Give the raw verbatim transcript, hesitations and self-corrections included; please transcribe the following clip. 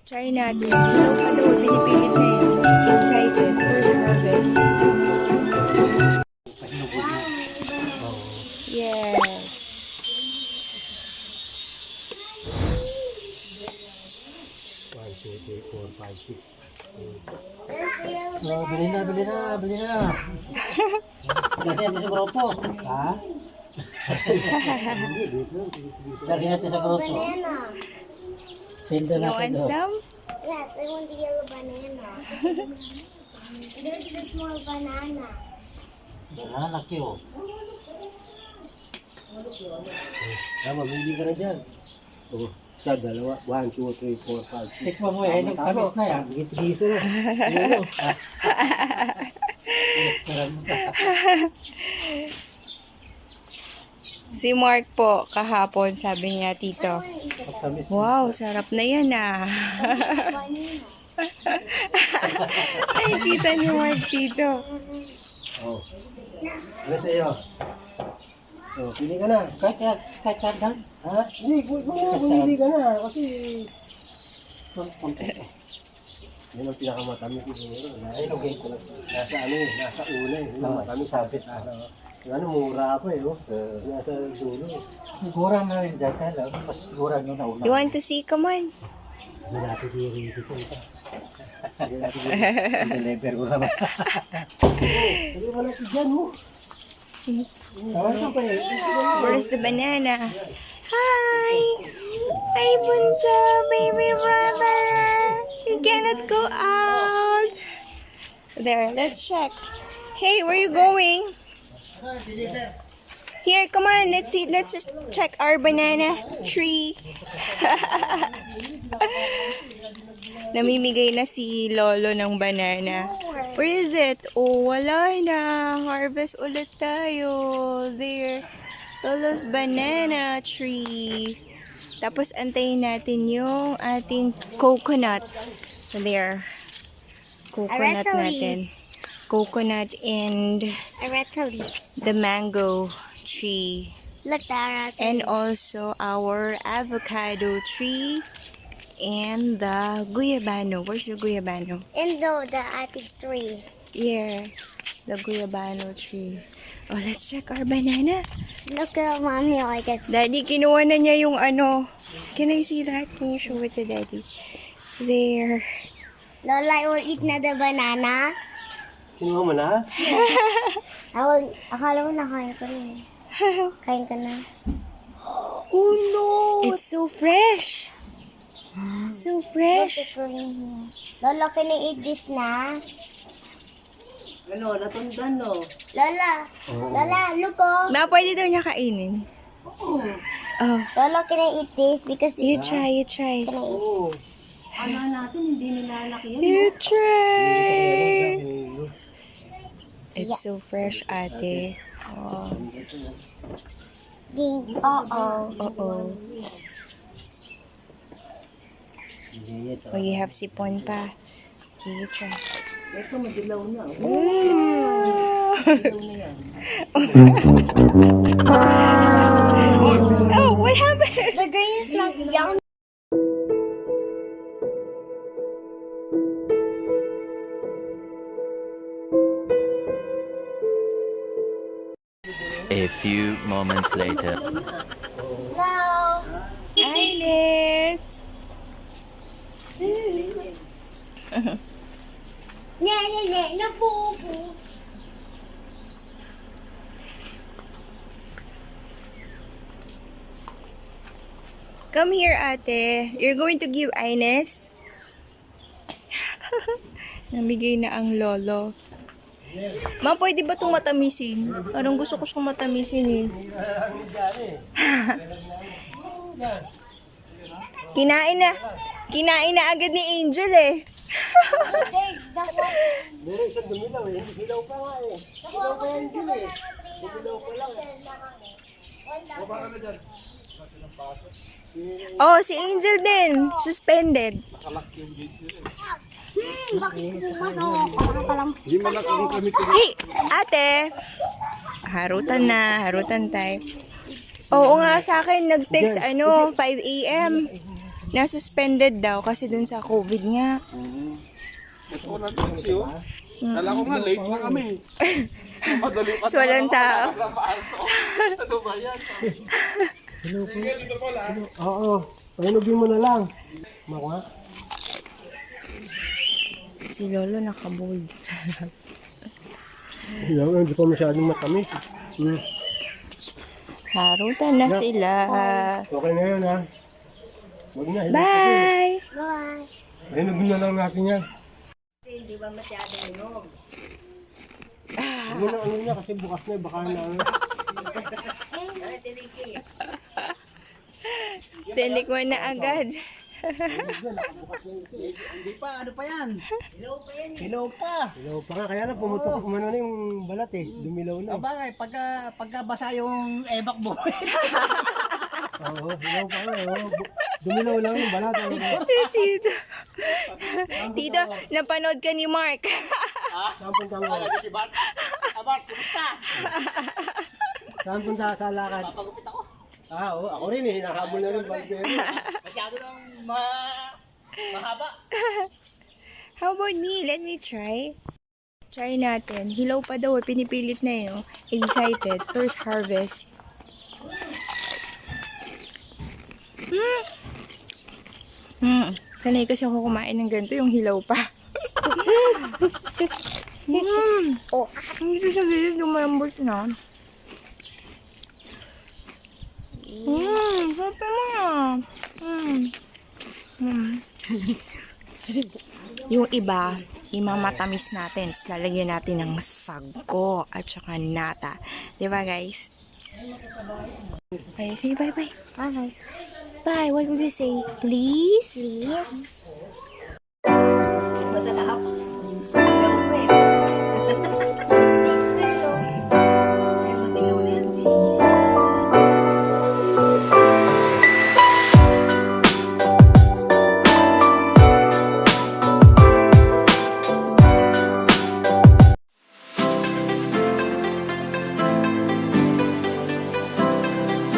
Try natin. Ilaw pa daw. Pinipilit na yun. Excited. First harvest. Yes. one, two, three, four, five, six. Oh, bili na, bili na, bili na. Lagi natin sa grupo. Ha? Lagi natin sa grupo. Tinda You na want sa some? Yes, I want the yellow banana. There's the small banana. Banana, laki oh. Tama, hindi ka na dyan. Oh, isa, dalawa. One, two, three, four, five, six. Tikman mo eh, nagtamis na yan. Gigit-gisa na. Ano? Si Mark po, kahapon, sabi niya, Tito, Pagtamis. wow, sarap na yan ah. Ay, kita ni Mark, Tito. Oh. Ano sa iyo? Oh, pili ka na. Kahit kahit saan down? Ha? Hindi, pili ka na. Kasi... Yan ang pinakamatamis ko siguro. Ay, lugay ko lang. Nasa ano eh, nasa una eh. Yung matamis sabit. Ano, mura pa eh. Oh. Nasa dulo eh. Sigurang na rin dyan, kaya mas sigurang yung nauna. You want to see? Come on. Hindi natin diri dito. Deliver ko naman. Sabi mo natin dyan mo. Tawag ka pa eh. Where's the banana? Hi! Hi, Bunso, baby brother! You cannot go out! There, let's check. Hey, where you going? Here, come on, let's see, let's check our banana tree. Namimigay na si Lolo ng banana. Where is it? Oh, wala na. Harvest ulit tayo. There. Lolo's banana tree. Tapos antayin natin yung ating coconut. There. Coconut natin. Coconut and Aratilis. the mango tree. Look, the aratilis. And also our avocado tree. And the guyabano. Where's the guyabano? And the, the atis tree. Here. The guyabano tree. Oh, let's check our banana. Look at mommy, I guess. Daddy, kinuha na niya yung ano. Can I see that? Can you show it to Daddy? There. Lola, I will eat na the banana. Kinuha mo na? I will, akala mo nakain ko na eh. Kain ka na. Oh no! It's so fresh. So fresh. Lola, can I eat this na? Ano, natundan no? Lola, Lola, look oh. Na, pwede daw niya kainin. Oo. Oh, Lola, can I eat this? Because you this try, you try. can I eat? Oo. Ano natin, hindi nilalaki yan. You No? try. It's so fresh, ate. Oh, Ding, uh-oh. oo. Oh, you have sipon pa. Okay, you try. Ito, madilaw na. Oh. Mm. Madilaw na yan. Oh, what happened? The green is like yum. A few moments later. No. Ines! Ne, ne, ne, na po po. Come here, ate. You're going to give Ines? Namigay na ang lolo. Ma, pwede ba itong matamisin? Parang gusto ko siyang matamisin eh. Kinain na. Kinain na agad ni Angel eh. There's that one. Meron isang dumilaw eh. Dumilaw pa nga eh. Dumilaw pa yan din eh. Dumilaw pa lang eh. Oh, si Angel din. Suspended. Bakit pumasok? Parang palang Hindi mo lang kung kami Hey, ate. Harutan na. Harutan tayo. Oo nga sa akin, nag-text ano, five a m na-suspended daw kasi dun sa COVID nga. Ito na taxi, oh. Kala ko nga, late na kami. Madali pa. So, walang tao. Ano ba yan? Hello po. Hello. Oo. Pahinugin mo na lang. Makuha. Si Lolo nakabold. Hello, hindi pa masyadong matamis. Hmm. Harutan na sila. Okay na yun, ha? Huwag na. hilot Bye! Bye. kasi. Pahinugin na lang natin yan. Hindi ba masyadong inog? Huwag mo na ano niya kasi bukas na, baka na ano. Ay, tiniki. Tinikman na agad. Hindi pa, ano pa yan? Hello pa yan. Hilaw pa. Hello pa nga, kaya lang pumutok umano na yung balat eh. Dumilaw na. Abangay, pagka, pagka basa yung ebak mo. Oo, hello pa nga. oo. Bu- Dumilaw lang yung balat. ano. Tito. Tito, napanood ka ni Mark. Saan punta mo? Si Bart. Ah, Bart, kumusta? Saan punta sa lakad? Papagupit ako. Ah, oo, ako rin eh. Nakahabol na rin baldero. Masyado nang ma... mahaba. How about me? Let me try. Try natin. Hilaw pa daw. Pinipilit na yun. Excited. First harvest. Hmm. Hmm. Sanay kasi ako kumain ng ganito. Yung hilaw pa. Hmm. Oh, hindi sa gilid lumambot na. Hmm. Sarap naman. Hmm. Hmm. Yung iba, imamatamis natin. So, lalagyan natin ng sago at saka nata. Di ba, guys? Okay, say bye-bye. Bye. Bye. What would you say? Please? Please. Masarap.